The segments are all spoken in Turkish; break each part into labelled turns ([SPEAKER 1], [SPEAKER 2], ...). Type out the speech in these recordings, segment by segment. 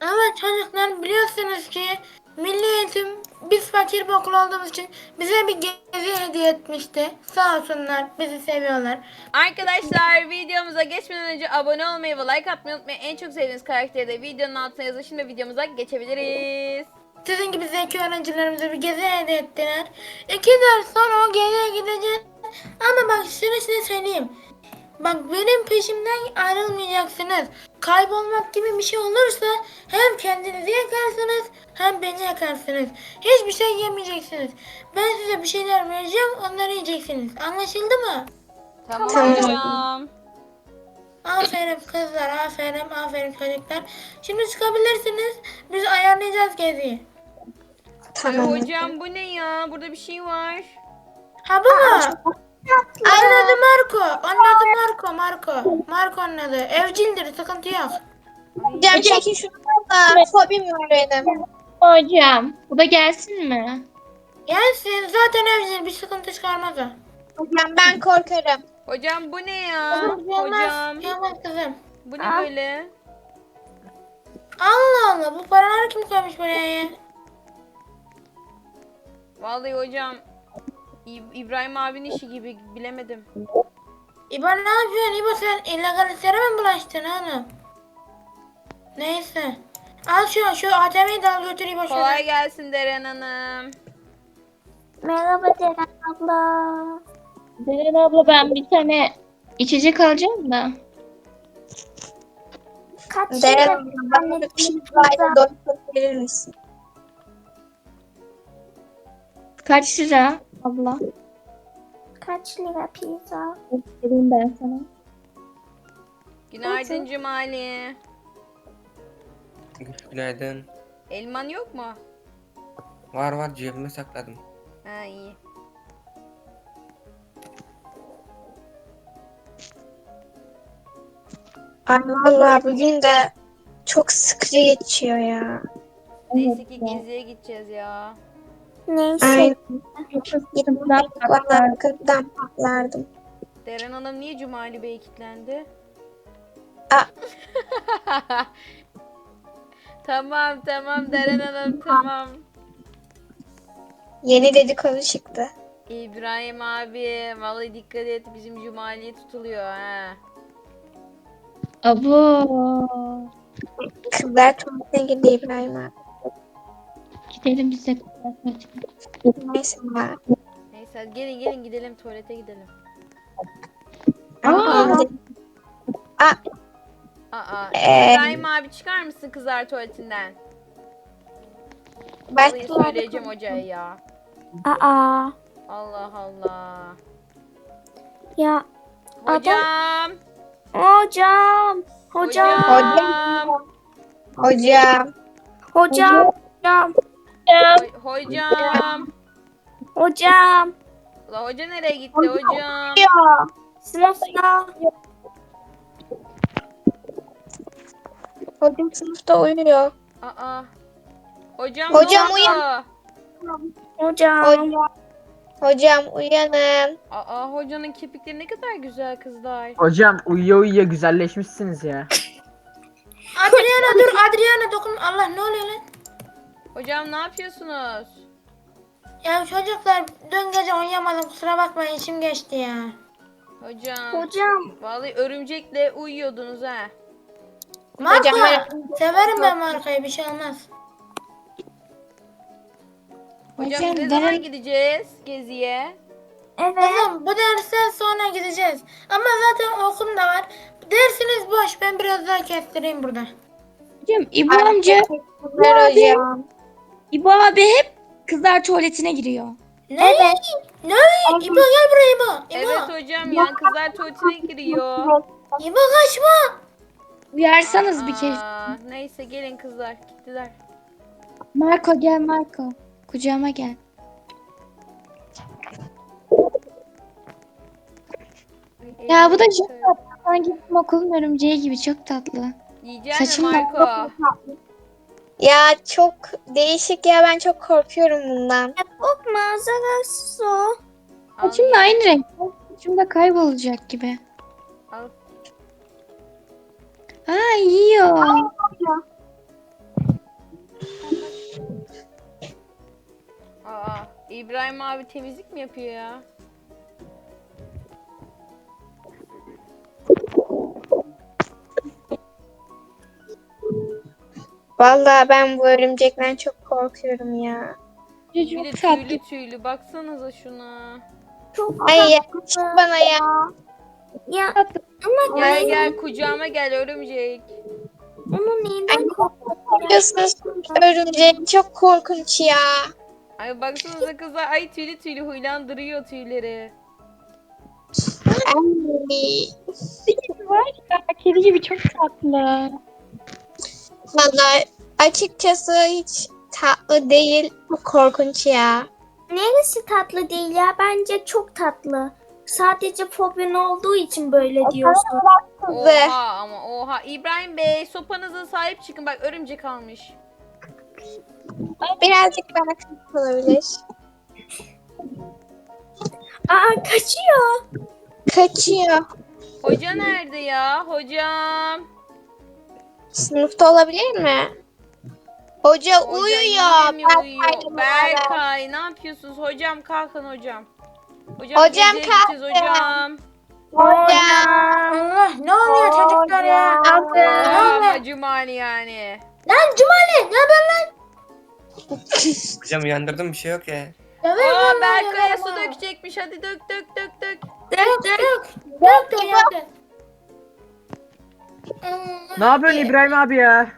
[SPEAKER 1] Evet çocuklar biliyorsunuz ki Milli Eğitim biz fakir bir okul olduğumuz için bize bir gezi hediye etmişti. Sağ olsunlar bizi seviyorlar.
[SPEAKER 2] Arkadaşlar videomuza geçmeden önce abone olmayı ve like atmayı unutmayın. En çok sevdiğiniz karakteri de videonun altına yazın. Şimdi videomuza geçebiliriz.
[SPEAKER 1] Sizin gibi zeki öğrencilerimize bir gezi hediye ettiler. 2 ders sonra o geziye gideceğiz. Ama bak şunu size söyleyeyim. Bak benim peşimden ayrılmayacaksınız. Kaybolmak gibi bir şey olursa hem kendinizi yakarsınız hem beni yakarsınız. Hiçbir şey yemeyeceksiniz. Ben size bir şeyler vereceğim onları yiyeceksiniz. Anlaşıldı mı?
[SPEAKER 2] Tamam
[SPEAKER 3] Tamam.
[SPEAKER 2] hocam.
[SPEAKER 1] Aferin kızlar, aferin çocuklar. Şimdi çıkabilirsiniz. Biz ayarlayacağız geziyi.
[SPEAKER 3] Tamam.
[SPEAKER 2] Hocam bu ne ya? Burada bir şey var.
[SPEAKER 1] Ha bu mu? Onun adı Marco. Onun adı Marco. Marco'nun adı. Evcildir, sıkıntı yok.
[SPEAKER 3] Hocam çekin şunu da. Fobim var benim.
[SPEAKER 4] Hocam, bu da gelsin mi?
[SPEAKER 1] Gelsin, zaten evcil, bir sıkıntı çıkarmaz o.
[SPEAKER 3] Hocam ben korkarım.
[SPEAKER 2] Hocam bu ne ya?
[SPEAKER 1] Kızım, gelmez.
[SPEAKER 2] Hocam
[SPEAKER 1] Gelmez kızım.
[SPEAKER 2] bu ne böyle?
[SPEAKER 1] Allah Allah, bu paraları kim koymuş buraya ya?
[SPEAKER 2] Vallahi hocam İbrahim abinin işi gibi bilemedim.
[SPEAKER 1] İbo ne yapıyorsun? İbo sen illegal işlere mi bulaştın oğlum? Neyse. Al şu ATM'yi de al götür İbo şöyle.
[SPEAKER 2] Kolay gelsin Deren Hanım.
[SPEAKER 5] Merhaba Deren abla.
[SPEAKER 4] Deren abla ben bir tane içecek alacağım da.
[SPEAKER 5] Kaç
[SPEAKER 3] Deren
[SPEAKER 5] lira
[SPEAKER 3] bana bir pizzayla doyup verir misin?
[SPEAKER 4] Kaç lira abla?
[SPEAKER 5] Kaç lira pizza?
[SPEAKER 4] Vereyim ben sana.
[SPEAKER 2] Günaydın Cumali.
[SPEAKER 6] Günaydın.
[SPEAKER 2] Elman yok mu?
[SPEAKER 6] Var cebime sakladım.
[SPEAKER 2] Ha iyi.
[SPEAKER 3] Ay vallahi bugün de çok sıkıcı geçiyor ya.
[SPEAKER 2] Neyse ki geziye gideceğiz ya.
[SPEAKER 5] Neyse.
[SPEAKER 3] Aynen.
[SPEAKER 4] Sıkıntıdan
[SPEAKER 3] Valla kırktan patlardım.
[SPEAKER 2] Deren Hanım niye Cumali Bey kilitlendi?
[SPEAKER 3] Aa.
[SPEAKER 2] Tamam Deren Hanım tamam.
[SPEAKER 3] Yeni dedikodu çıktı.
[SPEAKER 2] İbrahim abi vallahi dikkat et bizim Cumali'ye tutuluyor ha.
[SPEAKER 4] Abo.
[SPEAKER 3] Kızlar tuvaletine girdi İbrahim abi.
[SPEAKER 4] Gidelim biz de.
[SPEAKER 3] Neyse ya.
[SPEAKER 2] Neyse hadi gelin gidelim tuvalete gidelim.
[SPEAKER 3] Aa.
[SPEAKER 2] Aa,
[SPEAKER 3] Ee.
[SPEAKER 2] İbrahim abi çıkar mısın kızlar tuvaletinden? Vallahi söyleyeceğim hocaya ya.
[SPEAKER 5] Aa.
[SPEAKER 2] Allah Allah.
[SPEAKER 5] Ya
[SPEAKER 2] Hocam.
[SPEAKER 5] hocam. Hocam.
[SPEAKER 2] Hocam.
[SPEAKER 3] Hocam.
[SPEAKER 5] Hocam. Hocam.
[SPEAKER 2] Hocam.
[SPEAKER 5] Hocam.
[SPEAKER 2] Ula hoca nereye gitti hocam?
[SPEAKER 5] Ya. Sınıfta.
[SPEAKER 3] Hocam sınıfta uyuyor.
[SPEAKER 2] Aa. Hocam,
[SPEAKER 3] Hocam
[SPEAKER 2] ne oldu?
[SPEAKER 3] uyan.
[SPEAKER 5] Hocam.
[SPEAKER 3] Hocam uyanın.
[SPEAKER 2] Aa hocanın kirpikleri ne kadar güzel kızlar.
[SPEAKER 7] Hocam uyuya güzelleşmişsiniz ya.
[SPEAKER 1] Adriana dur, Adriana dokun. Allah ne oluyor lan?
[SPEAKER 2] Hocam ne yapıyorsunuz?
[SPEAKER 1] Ya çocuklar dün gece oynayamadım, kusura bakmayın, içim geçti ya.
[SPEAKER 2] Hocam.
[SPEAKER 5] Hocam.
[SPEAKER 2] Vallahi örümcekle uyuyordunuz ha.
[SPEAKER 1] Marco,
[SPEAKER 3] Hocam,
[SPEAKER 1] severim ben Marco'yu, bir şey olmaz.
[SPEAKER 2] Hocam
[SPEAKER 4] Hocam,
[SPEAKER 2] biz ne zaman
[SPEAKER 4] Deren-
[SPEAKER 2] gideceğiz geziye?
[SPEAKER 5] Evet.
[SPEAKER 1] Kızım bu dersten sonra gideceğiz. Ama zaten okum da var. Dersiniz boş, ben biraz daha kestireyim burada.
[SPEAKER 4] Hocam İbo amca,
[SPEAKER 3] Teşekkürler hocam.
[SPEAKER 4] İbo abi hep kızlar tuvaletine giriyor.
[SPEAKER 1] Ne? Ne? İbo gel buraya İbo. İbo.
[SPEAKER 2] Evet hocam ya kızlar tuvaletine giriyor.
[SPEAKER 1] İbo kaçma.
[SPEAKER 4] Uyarsanız bir kez.
[SPEAKER 2] Neyse gelin kızlar gittiler.
[SPEAKER 4] Marco gel Marco. Kucağıma gel. Ya bu da çok tatlı. Sanki bizim okulun örümceği gibi çok tatlı.
[SPEAKER 2] Yiyecek mi
[SPEAKER 4] Saçım
[SPEAKER 2] Marco?
[SPEAKER 3] Ya çok değişik ya, ben çok korkuyorum bundan.
[SPEAKER 5] Korkma, zararsız o.
[SPEAKER 4] Saçım da aynı renk. Saçım da kaybolacak gibi.
[SPEAKER 2] Al.
[SPEAKER 4] Aa yiyor.
[SPEAKER 2] İbrahim abi temizlik mi yapıyor ya?
[SPEAKER 3] Vallahi ben bu örümcekten çok korkuyorum ya.
[SPEAKER 2] Bir de
[SPEAKER 4] Çok tatlı.
[SPEAKER 2] tüylü tüylü. Baksanıza şuna.
[SPEAKER 5] Çok
[SPEAKER 3] Ay
[SPEAKER 5] tatlı.
[SPEAKER 3] yakıştı bana ya.
[SPEAKER 5] Ya ama
[SPEAKER 2] Gel gel kucağıma gel örümcek.
[SPEAKER 5] onun neyinden
[SPEAKER 3] Korkuyorsunuz örümcek çok korkunç ya.
[SPEAKER 2] Ay baksanıza kızlar. Ay tüylü tüylü huylandırıyor tüyleri.
[SPEAKER 3] Ay.
[SPEAKER 4] Var ya kedi gibi çok tatlı.
[SPEAKER 3] Vallahi açıkçası hiç tatlı değil. Bu korkunç ya.
[SPEAKER 5] Neresi tatlı değil ya? Bence çok tatlı. Sadece fobin olduğu için böyle diyorsun.
[SPEAKER 2] Oha ama oha. İbrahim Bey sopanıza sahip çıkın. Bak örümcek almış.
[SPEAKER 3] Birazcık bana kızık olabilir.
[SPEAKER 5] Aa kaçıyor.
[SPEAKER 3] Kaçıyor.
[SPEAKER 2] Hoca nerede ya? Hocam.
[SPEAKER 3] Sınıfta olabilir mi? Hoca
[SPEAKER 2] Hoca
[SPEAKER 3] uyuyor.
[SPEAKER 2] yine mi uyuyor?
[SPEAKER 3] Berkay'la beraber.
[SPEAKER 2] Berkay ne yapıyorsunuz? Hocam kalkın hocam. Hocam,
[SPEAKER 3] Hocam
[SPEAKER 2] geziye gideceğiz
[SPEAKER 3] kalkın.
[SPEAKER 2] hocam.
[SPEAKER 1] Allah ne oluyor çocuklar ya? Ne oluyor?
[SPEAKER 2] Ama cumali yani.
[SPEAKER 1] Lan Cumali ne haber lan?
[SPEAKER 6] Hocam uyandırdım bir şey yok ya.
[SPEAKER 2] Aa Berkay'a su dökecekmiş. Hadi dök dök dök dök.
[SPEAKER 1] Dök uyandı.
[SPEAKER 7] Ne yapıyorsun İbrahim abi ya?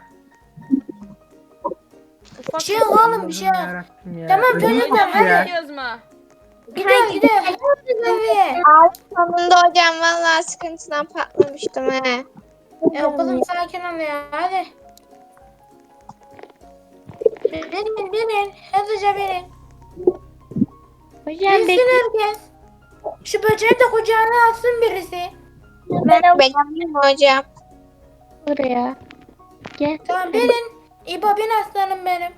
[SPEAKER 2] Ufak
[SPEAKER 1] Bir şey yok oğlum bir şey yok.
[SPEAKER 7] Yarabbim ya.
[SPEAKER 1] Tamam,
[SPEAKER 7] Ödüm
[SPEAKER 1] çocuklar,
[SPEAKER 7] koptu
[SPEAKER 1] hadi.
[SPEAKER 7] ya.
[SPEAKER 2] gidiyoruz mu?
[SPEAKER 1] Gidiyoruz. Hadi.
[SPEAKER 3] Sonunda hocam vallahi sıkıntıdan patlamıştım he.
[SPEAKER 1] Kızım sakin ol ya hadi. Binin. Hızlıca binin.
[SPEAKER 4] Hocam
[SPEAKER 1] Binsin
[SPEAKER 4] bekle.
[SPEAKER 1] herkes. Şu böceği de kucağına alsın birisi.
[SPEAKER 3] Benim hocam.
[SPEAKER 4] buraya. Gel.
[SPEAKER 1] Tamam binin. İbo bin aslanım benim.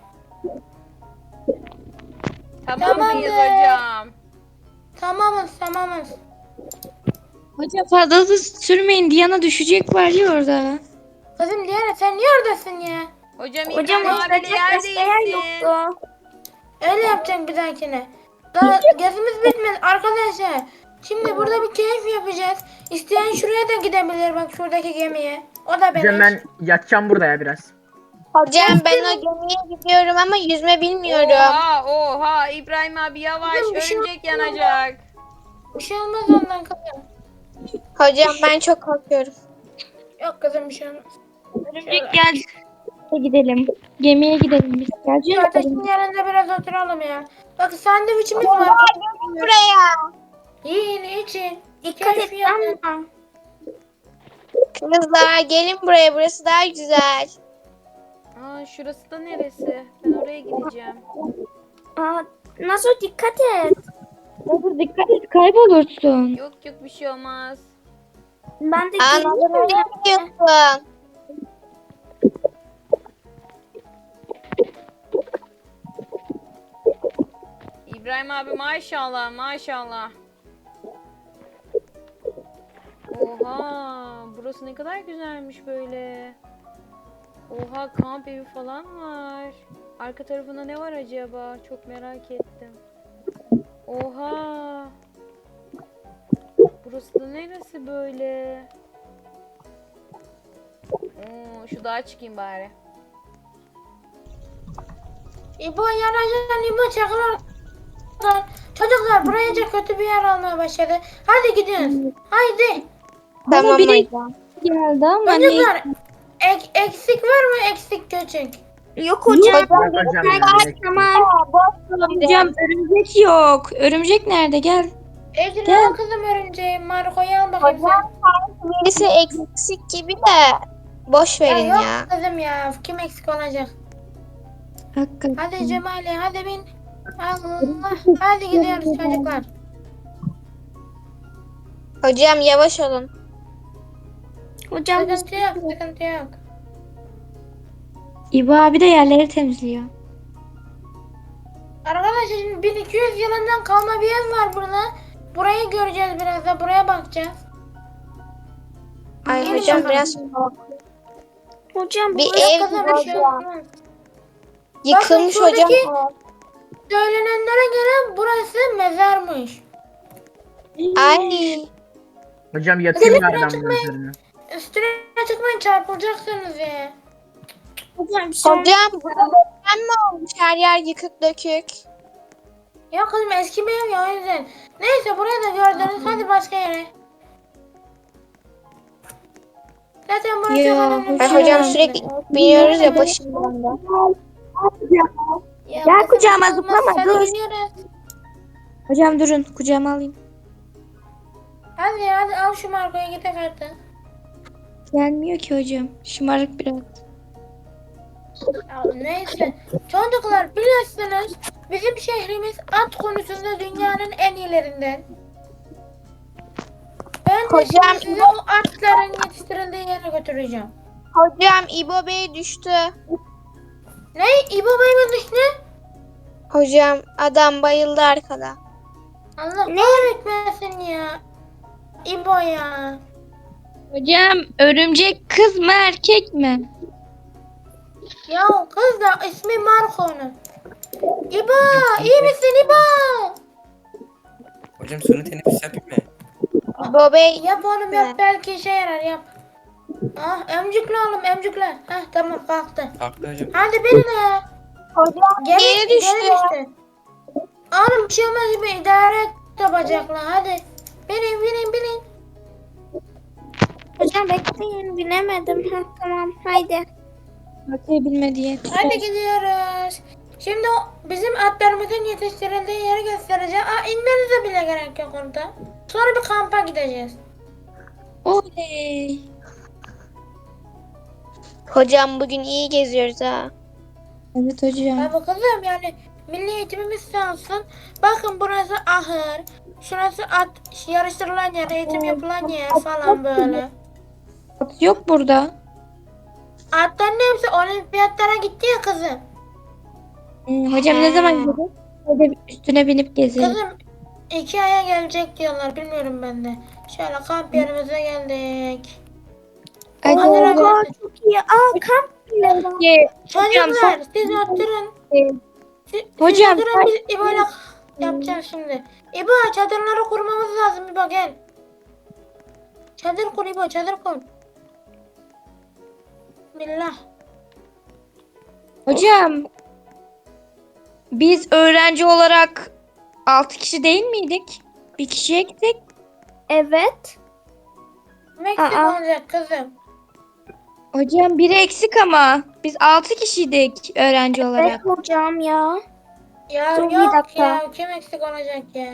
[SPEAKER 2] Tamam mıyız
[SPEAKER 1] Tamamdır.
[SPEAKER 2] hocam?
[SPEAKER 1] Tamamız.
[SPEAKER 4] Hocam fazla da sürmeyin. Diana düşecek var ya orada.
[SPEAKER 1] Kızım Diana sen niye oradasın ya?
[SPEAKER 2] Hocam
[SPEAKER 5] Hocam
[SPEAKER 2] İbrahim abiyle
[SPEAKER 5] oturacak
[SPEAKER 2] yer
[SPEAKER 5] başka yer
[SPEAKER 2] değilsin.
[SPEAKER 5] yoktu.
[SPEAKER 1] Öyle yapacaksın bir dahakine. Daha gezimiz bitmedi arkadaşlar. Şimdi burada bir keyif yapacağız. İsteyen şuraya da gidebilir bak şuradaki gemiye. O da benim.
[SPEAKER 7] Hocam ben yatacağım burada ya biraz.
[SPEAKER 3] Hocam ben o gemiye gidiyorum ama yüzme bilmiyorum.
[SPEAKER 2] Oha İbrahim abi yavaş
[SPEAKER 1] Kızım, bir şey
[SPEAKER 2] örümcek yanacak.
[SPEAKER 1] Bir şey olmaz ondan kızım.
[SPEAKER 3] Hocam ben çok korkuyorum.
[SPEAKER 1] Yok kızım bir şey olmaz.
[SPEAKER 4] Örümcek gel. Gidelim. Gemiye gidelim biz.
[SPEAKER 1] Şu
[SPEAKER 4] Gelecek
[SPEAKER 1] ateşin yanında biraz oturalım ya. Bak sandviçimiz var.
[SPEAKER 3] Buraya.
[SPEAKER 1] Yiyin için.
[SPEAKER 5] Dikkat
[SPEAKER 1] Keyif
[SPEAKER 5] et
[SPEAKER 1] yapın.
[SPEAKER 5] ama.
[SPEAKER 3] Kızlar gelin buraya, burası daha güzel.
[SPEAKER 2] Aa şurası da neresi? Ben oraya gideceğim.
[SPEAKER 5] Aa, Nazo dikkat et.
[SPEAKER 4] Dur dikkat et kaybolursun.
[SPEAKER 2] Yok bir şey olmaz.
[SPEAKER 5] Ben de
[SPEAKER 3] Anladım,
[SPEAKER 5] geliyorum.
[SPEAKER 3] nereye gidiyorsun?
[SPEAKER 2] İbrahim abi maşallah. Oha burası ne kadar güzelmiş böyle. Oha kamp evi falan var. Arka tarafında ne var acaba? Çok merak ettim. Oha. Burası da neresi böyle? Oo, şu dağa çıkayım bari.
[SPEAKER 1] İbo yanaşan İbo çakıl oradan. Çocuklar buraya çok kötü bir yer olmaya başladı. Hadi gidiyoruz. Haydi.
[SPEAKER 3] Tamam
[SPEAKER 4] biri-
[SPEAKER 3] hocam.
[SPEAKER 4] Geldi ama ne?
[SPEAKER 1] Çocuklar eksik var mı eksik küçük?
[SPEAKER 5] Yok hocam.
[SPEAKER 7] Bak hocam ya.
[SPEAKER 5] Tamam.
[SPEAKER 4] Hocam örümcek yok. Örümcek nerede? Gel.
[SPEAKER 1] Ecrin
[SPEAKER 4] Gel.
[SPEAKER 1] al kızım örümceği. Marco'yu al bakayım sen.
[SPEAKER 3] Birisi eksik gibi de boş verin
[SPEAKER 1] Yok
[SPEAKER 3] ya.
[SPEAKER 1] kızım ya. Kim eksik olacak?
[SPEAKER 4] Hakikaten.
[SPEAKER 1] Hadi Cemali hadi bin. Allah. Hadi gidiyoruz çocuklar.
[SPEAKER 3] Hocam yavaş olun.
[SPEAKER 5] Hocam
[SPEAKER 1] Sıkıntı yok.
[SPEAKER 4] İbo abi de yerleri temizliyor.
[SPEAKER 1] Arkadaşlar şimdi 1200 yılından kalma bir ev var burada. Burayı göreceğiz biraz da. Buraya bakacağız.
[SPEAKER 3] Ay
[SPEAKER 1] Gelin
[SPEAKER 3] hocam
[SPEAKER 1] bakalım.
[SPEAKER 3] biraz
[SPEAKER 5] hocam
[SPEAKER 3] bir
[SPEAKER 5] burası
[SPEAKER 3] ev
[SPEAKER 1] Kızım bir şey olmaz.
[SPEAKER 3] yıkılmış
[SPEAKER 1] Bakın
[SPEAKER 3] hocam.
[SPEAKER 1] şuradaki- Söylenenlere göre burası mezarmış.
[SPEAKER 3] Ay.
[SPEAKER 7] Hocam yatayım
[SPEAKER 1] Gelin,
[SPEAKER 7] bari ben
[SPEAKER 1] çıkmayın.
[SPEAKER 7] bunun üzerine.
[SPEAKER 1] Üstüne çıkmayın, çarpılacaksınız ya.
[SPEAKER 5] Hocam şu an
[SPEAKER 3] Hocam ben mi olmuş her yer yıkık dökük?
[SPEAKER 1] Ya kızım eski bir ev ya, o yüzden. Neyse burayı da gördünüz, hadi başka yere. Zaten burası
[SPEAKER 4] Ya,
[SPEAKER 1] çok önemli bir
[SPEAKER 3] Ay
[SPEAKER 1] şey
[SPEAKER 3] hocam
[SPEAKER 1] değil.
[SPEAKER 3] sürekli biniyoruz ya başımdan da.
[SPEAKER 1] Ya
[SPEAKER 5] Gel
[SPEAKER 1] kızım,
[SPEAKER 5] kucağıma
[SPEAKER 1] olmaz,
[SPEAKER 5] zıplama,
[SPEAKER 1] hadi
[SPEAKER 5] dur.
[SPEAKER 1] gidiyoruz.
[SPEAKER 4] Hocam durun kucağıma alayım.
[SPEAKER 1] Hadi al şu Marco'ya gidelim artık.
[SPEAKER 4] Gelmiyor ki hocam. Şımarık biraz.
[SPEAKER 1] Ya neyse. Çocuklar biliyorsunuz bizim şehrimiz at konusunda dünyanın en iyilerinden. Ben de
[SPEAKER 3] Hocam,
[SPEAKER 1] şimdi sizi o atların yetiştirildiği yere götüreceğim.
[SPEAKER 3] Hocam İbo Bey düştü.
[SPEAKER 1] Ne? İbo Bey mi düştü?
[SPEAKER 3] Hocam adam bayıldı arkada.
[SPEAKER 1] Allah kahretmesin ya. İbo ya.
[SPEAKER 4] Hocam örümcek kız mı erkek mi?
[SPEAKER 1] Ya kız da ismi Marco'nun. İbo iyi misin İbo?
[SPEAKER 6] Hocam suni teneffüs yapayım mı?
[SPEAKER 3] İbo Bey
[SPEAKER 1] Yap oğlum yap, belki işe yarar, yap. Ah emcükle oğlum emcükle. Heh tamam kalktı.
[SPEAKER 6] Kalktı hocam.
[SPEAKER 1] Hadi binin ya.
[SPEAKER 3] hocam geri düştü.
[SPEAKER 1] Oğlum bir şey olmaz gibi idare et de bacakla, hadi. Binin.
[SPEAKER 5] hocam bekleyin binemedim. Heh, tamam haydi.
[SPEAKER 4] Bakayım bilmedi diye.
[SPEAKER 1] Hadi gidiyoruz. Şimdi bizim atlarımızın yetiştirildiği yeri göstereceğim. İnmenize bile gerek yok orada. Sonra bir kampa gideceğiz.
[SPEAKER 4] Oley.
[SPEAKER 3] Hocam bugün iyi geziyoruz ha.
[SPEAKER 4] Evet hocam.
[SPEAKER 1] Tabii kızım, yani milli eğitimimiz sağ olsun. Bakın burası ahır. Şurası at yarıştırılan yer, eğitim yapılan yer falan böyle.
[SPEAKER 4] At yok burada.
[SPEAKER 1] Atların hepsi olimpiyatlara gitti ya kızım.
[SPEAKER 4] Hocam ne zaman gidelim? Hadi üstüne binip gezelim.
[SPEAKER 1] Kızım 2 aya gelecek diyorlar, bilmiyorum ben de. Şöyle kamp yerimize geldik.
[SPEAKER 4] Hadi
[SPEAKER 1] Hadi
[SPEAKER 4] hocam.
[SPEAKER 1] hadi.
[SPEAKER 5] Aa, çok iyi. Kamp bile var.
[SPEAKER 1] Çocuklar siz oturun. Siz
[SPEAKER 4] Hocam,
[SPEAKER 1] oturun, biz İbo'yla yapacağız şimdi. İbo çadırları kurmamız lazım, İbo gel. Çadır kur İbo, çadır kur. Billah.
[SPEAKER 4] Hocam. Biz öğrenci olarak 6 kişi değil miydik? Bir kişi eksik.
[SPEAKER 5] Evet.
[SPEAKER 1] Meksik
[SPEAKER 5] Aa.
[SPEAKER 1] olacak kızım.
[SPEAKER 4] Hocam biri eksik ama. Biz 6 kişiydik öğrenci
[SPEAKER 5] Evet
[SPEAKER 4] olarak.
[SPEAKER 5] hocam ya.
[SPEAKER 1] Ya
[SPEAKER 5] Dur, bir
[SPEAKER 1] yok
[SPEAKER 5] dakika.
[SPEAKER 1] ya, kim eksik olacak ya?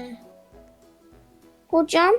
[SPEAKER 5] Hocam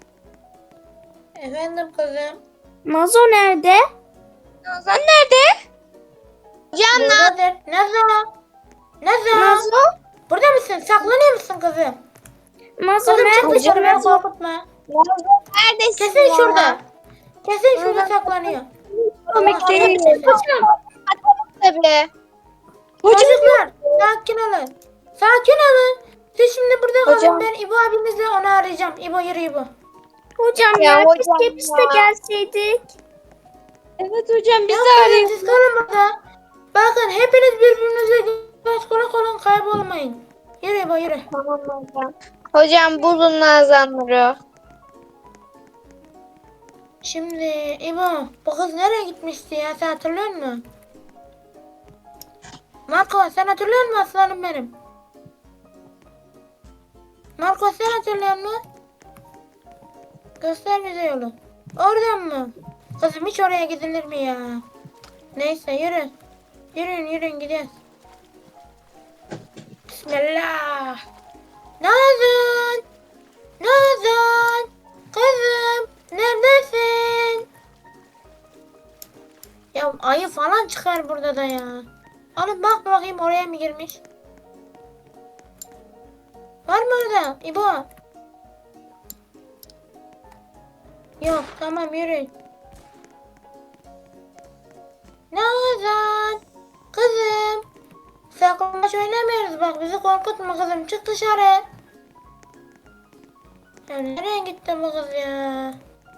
[SPEAKER 1] Efendim kızım.
[SPEAKER 5] Nazo nerede?
[SPEAKER 4] Nazan nerede?
[SPEAKER 3] Hocam
[SPEAKER 1] Buradadır. Nazo. Nazo.
[SPEAKER 5] Nazo?
[SPEAKER 1] Burada mısın? Saklanıyor musun kızım?
[SPEAKER 5] Nazo
[SPEAKER 1] Kızım çık
[SPEAKER 5] nerede?
[SPEAKER 1] dışarı, beni korkutma.
[SPEAKER 3] neredesin
[SPEAKER 1] Kesin
[SPEAKER 3] ya?
[SPEAKER 1] şurada. Kesin şurada saklanıyor.
[SPEAKER 4] Komik değil.
[SPEAKER 3] Tabii.
[SPEAKER 4] Hocam
[SPEAKER 1] Çocuklar sakin olun. Sakin olun. Siz şimdi burada kalın.
[SPEAKER 3] Hocam.
[SPEAKER 1] Ben İbo abinizle onu arayacağım. İbo yürü İbo.
[SPEAKER 5] Hocam
[SPEAKER 3] Ya
[SPEAKER 5] ya,
[SPEAKER 3] hocam
[SPEAKER 5] keşke biz de
[SPEAKER 3] ya.
[SPEAKER 5] gelseydik.
[SPEAKER 4] evet hocam biz
[SPEAKER 1] Yok
[SPEAKER 4] de
[SPEAKER 1] kızım,
[SPEAKER 4] arıyoruz.
[SPEAKER 1] siz kalın burada. Bakın hepiniz birbirinize göz kulak olun, kaybolmayın. Yürü İbo yürü.
[SPEAKER 3] Tamam hocam. Hocam bulun Nazanları.
[SPEAKER 1] Şimdi İbo bu kız nereye gitmişti ya, sen hatırlıyor musun? Marco sen hatırlıyor musun aslanım benim? Marco sen hatırlıyor musun? Göster bize yolu. Oradan mı? Kızım hiç oraya gidilir mi ya? Neyse yürü. Yürüyün gidiyoruz. Bismillah. Nazan. Nazan. Kızım. Neredesin? Ya ayı falan çıkar burada da ya. Oğlum bak bakayım oraya mı girmiş? Var mı orada? İbo. Yok tamam yürü. Nazan. Kızım. Saklambaç oynamıyoruz bak, bizi korkutma kızım, çık dışarı. Ya nereye gitti bu kız ya?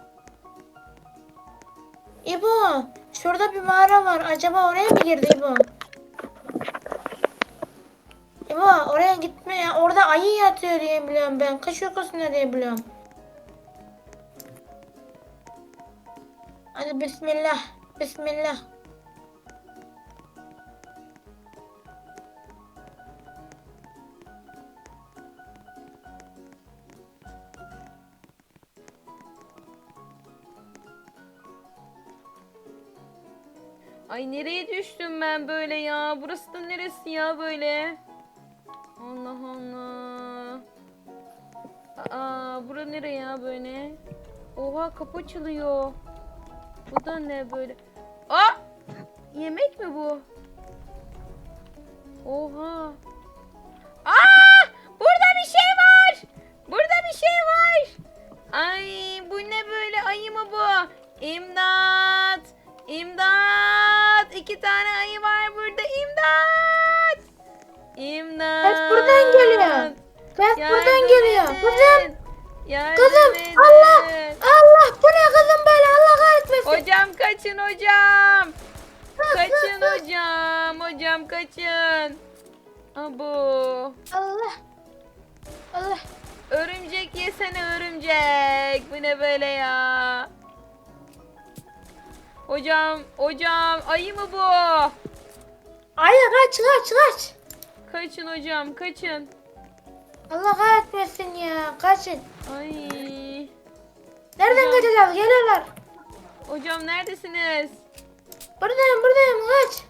[SPEAKER 1] İbo, şurada bir mağara var. Acaba oraya mı girdi İbo? İbo, oraya etme ya. Orada ayı yatıyor diye biliyorum ben. Kış uykusunda diye biliyorum. Hadi bismillah. Bismillah.
[SPEAKER 2] Ay nereye düştüm ben böyle ya? Burası da neresi ya böyle? Allah Allah. Bura nereye ya böyle? Oha kapı açılıyor. Bu da ne böyle? Aa! Yemek mi bu? Oha. Aa! Burada bir şey var. Burada bir şey var. Ay bu ne böyle? Ayı mı bu? İmdat! İmdat! 2 tane ayı var burada. İmdat! İmdat!
[SPEAKER 1] Ses buradan geliyor. Ses buradan geliyor. Kızım.
[SPEAKER 2] Yardım
[SPEAKER 1] Kızım.
[SPEAKER 2] edin.
[SPEAKER 1] Allah. Allah. Bu ne kızım böyle? Allah kahretmesin.
[SPEAKER 2] Hocam kaçın hocam. Kaçın hocam. Hocam kaçın. Abo.
[SPEAKER 1] Allah. Allah.
[SPEAKER 2] Örümcek yesene örümcek. Bu ne böyle ya? Hocam ayı mı bu?
[SPEAKER 1] Ayı kaç.
[SPEAKER 2] Kaçın hocam kaçın.
[SPEAKER 1] Allah kahretmesin ya. Kaçın.
[SPEAKER 2] Ay.
[SPEAKER 1] Nereden kaçacağız? Geliyorlar.
[SPEAKER 2] Hocam neredesiniz?
[SPEAKER 1] Buradayım. Kaç.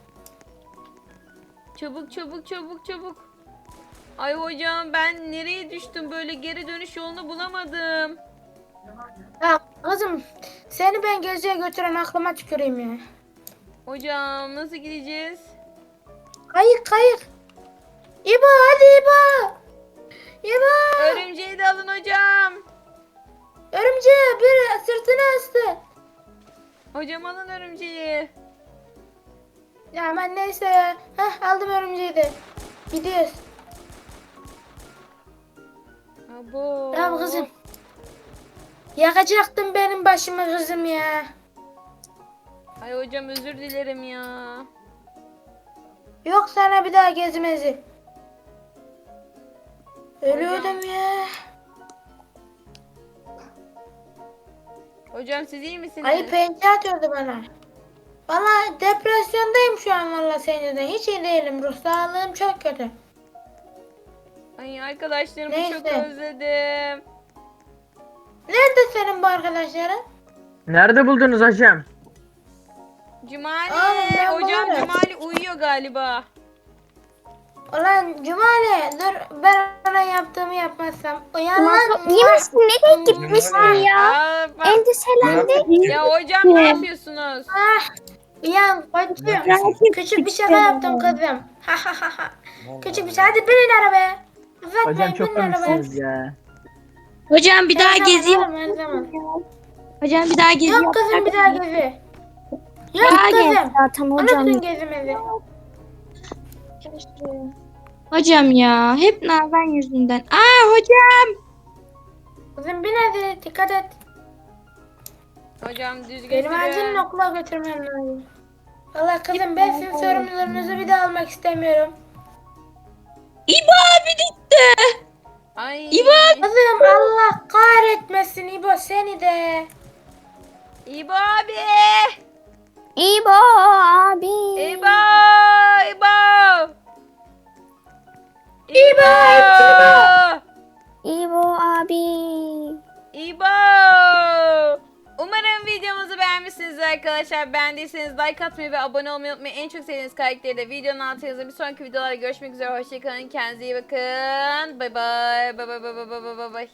[SPEAKER 2] Çabuk. Ay hocam ben nereye düştüm böyle geri dönüş yolunu bulamadım.
[SPEAKER 1] Ya kızım seni ben geziye götüren aklıma tüküreyim ya.
[SPEAKER 2] Hocam nasıl gideceğiz?
[SPEAKER 1] Kayık. İbo hadi İbo. İbo.
[SPEAKER 2] Örümceği de alın hocam.
[SPEAKER 1] Örümceği bir sırtına astı.
[SPEAKER 2] Hocam alın örümceği.
[SPEAKER 1] Ya ben neyse ya. Aldım örümceği de. Gidiyoruz.
[SPEAKER 2] Abo.
[SPEAKER 1] Ya kızım. Yakacaktın benim başımı kızım ya.
[SPEAKER 2] Ay hocam özür dilerim ya.
[SPEAKER 1] Yok sana bir daha gezmezi. Ölüyordum ya.
[SPEAKER 2] Hocam siz iyi misiniz?
[SPEAKER 1] Ayı pençe atıyordu bana. Valla depresyondayım şu an valla senin yüzünden. Hiç iyi değilim. Ruh sağlığım çok kötü.
[SPEAKER 2] Ay arkadaşlarımı çok
[SPEAKER 1] Neyse.
[SPEAKER 2] özledim.
[SPEAKER 1] Nerede senin bu arkadaşların?
[SPEAKER 7] Nerede buldunuz hocam?
[SPEAKER 2] Cumali.
[SPEAKER 1] Oğlum, ben
[SPEAKER 2] Hocam
[SPEAKER 1] bulurum.
[SPEAKER 2] Cumali uyuyor galiba.
[SPEAKER 1] Ulan Cumali dur ben ona yaptığımı yapmazsam. Uyan lan.
[SPEAKER 5] İyi misin? Nereye gitmişsin
[SPEAKER 6] Cumali.
[SPEAKER 5] ya?
[SPEAKER 2] Aa, bak.
[SPEAKER 5] Endişelendi.
[SPEAKER 2] Ya hocam ne yapıyorsunuz?
[SPEAKER 1] Uyan koçum. Küçük bir şaka yaptım kızım. Küçük bir şey. Hadi binin arabaya. Uzatmayın
[SPEAKER 7] Hocam çok
[SPEAKER 1] binin arabaya.
[SPEAKER 7] komiksiniz ya.
[SPEAKER 4] Hocam bir daha
[SPEAKER 1] Her zaman
[SPEAKER 4] gezi
[SPEAKER 1] oğlum, her zaman.
[SPEAKER 4] Hocam bir daha gezi
[SPEAKER 1] Yok kızım bir daha gezi. Yok
[SPEAKER 4] Daha gez.
[SPEAKER 1] kızım.
[SPEAKER 5] Zaten hocam.
[SPEAKER 1] Unutun gezimizi.
[SPEAKER 4] Hocam ya hep Nazan yüzünden. Hocam.
[SPEAKER 1] Kızım bin hadi dikkat et.
[SPEAKER 2] Hocam düzgün
[SPEAKER 1] Benim
[SPEAKER 2] sürün.
[SPEAKER 1] acilen okula götürmem lazım. Valla kızım ben sizin sorumluluğunuzu bir daha almak istemiyorum.
[SPEAKER 4] İbo abi gitti.
[SPEAKER 2] Ay.
[SPEAKER 1] Kızım Allah kahretmesin İbo seni de.
[SPEAKER 2] İbo abi.
[SPEAKER 5] İbo abi.
[SPEAKER 2] İbo. İbo.
[SPEAKER 5] İbo abi.
[SPEAKER 2] İbo. Umarım videomuzu beğenmişsinizdir arkadaşlar. Beğendiyseniz like atmayı ve abone olmayı unutmayın. En çok sevdiğiniz karakteri de videonun altına yazın. Bir sonraki videolarda görüşmek üzere. Hoşçakalın. Kendinize iyi bakın. Bay bay. Bay bay bay bay bay bay bay.